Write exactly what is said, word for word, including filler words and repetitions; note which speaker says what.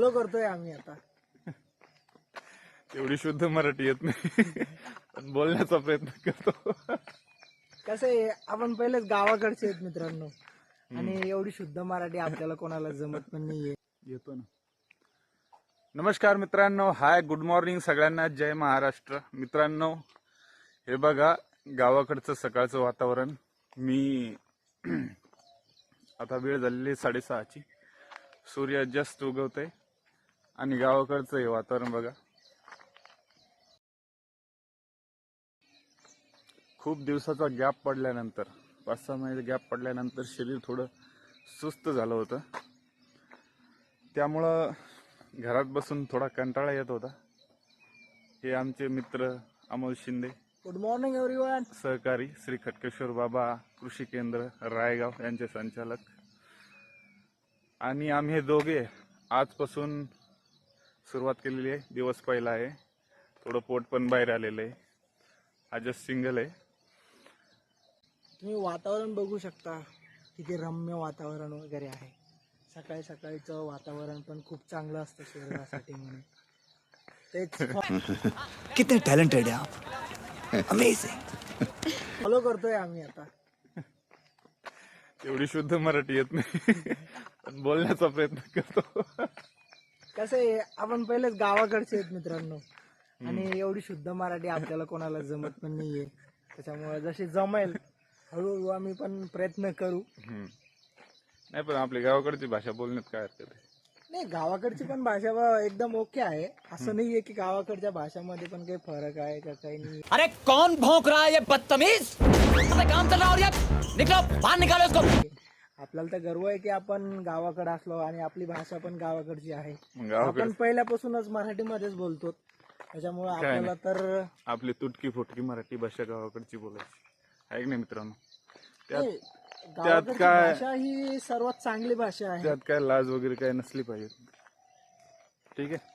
Speaker 1: Follow करतोय आम्ही आता.
Speaker 2: एवढी शुद्ध मराठी येत नाही पण बोलण्याचा प्रयत्न करतो.
Speaker 1: कसं आहे, आपण पहिलेच गावाकडचे आहेत मित्रांनो, आणि एवढी शुद्ध मराठी आपल्याला कोणाला जमत पण नाहीये.
Speaker 2: येतो ना. नमस्कार मित्रांनो, हाय गुड मॉर्निंग सगळ्यांना, जय महाराष्ट्र. मित्रांनो हे बघा गावाकडचं सकाळचं वातावरण. मी आता वेळ झालेली साडेसहाची, सूर्य जस्ट उगवतोय आणि गावाकडचं हे वातावरण बघा. खूप दिवसाचा गॅप पडल्यानंतर, पाच सहा महिने गॅप पडल्यानंतर शरीर थोडं सुस्त झालं होतं, त्यामुळं घरात बसून थोडा कंटाळा येत होता. हे आमचे मित्र Amol Shinde,
Speaker 1: good morning everyone.
Speaker 2: सहकारी श्री खटकेश्वर बाबा कृषी केंद्र रायगाव यांचे संचालक, आणि आम्ही हे दोघे आजपासून सुरुवात केलेली आहे. दिवस पहिला आहे, थोडं पोट पण बाहेर आलेलं आहे. आजच सिंगल आहे.
Speaker 1: तुम्ही वातावरण बघू शकता, किती रम्य वातावरण वगैरे आहे. सकाळी सकाळीचं वातावरण पण खूप चांगलं असतं शरीरासाठी म्हणून. तेच
Speaker 3: कितने टैलेंटेड हैं आप, अमेजिंग.
Speaker 1: फॉलो करतोय आम्ही आता.
Speaker 2: एवढी शुद्ध मराठी येत नाही पण बोलण्याचा प्रयत्न करतो.
Speaker 1: कसं आहे, आपण पहिलेच गावाकडचे आहेत मित्रांनो, आणि एवढी शुद्ध मराठी आपल्याला कोणाला जमत पण नाहीये. त्याच्यामुळे जशी जमेल हळूहळू आम्ही पण प्रयत्न करू.
Speaker 2: नाही पण आपली गावाकडची भाषा बोलण्यात काय हरकत आहे.
Speaker 1: नाही, गावाकडची पण भाषा ब- एकदम ओके आहे. असं नाहीये की गावाकडच्या भाषामध्ये पण काही फरक आहे का काही नाही.
Speaker 3: अरे कौन भौंक रहा है ये बदतमीज, काम चल रहा और ये निकलो बाहर निकालो इसको.
Speaker 1: आपल्याला तर गर्व आहे की आपण गावाकडे असलो आणि आपली भाषा पण गावाकडची आहे.
Speaker 2: मग गावाकडे
Speaker 1: आपण पहिल्यापासूनच मराठीमध्येच बोलतो, त्याच्यामुळे आपल्याला तर
Speaker 2: आपली तुटकी फुटकी मराठी भाषा गावाकडची बोलायची आहे की नाही मित्रांनो. त्यात
Speaker 1: नाही, गावाकडची
Speaker 2: काय-
Speaker 1: भाषा ही सर्वात चांगली भाषा आहे.
Speaker 2: त्यात काय लाज वगैरे काय नसली पाहिजे. ठीक आहे.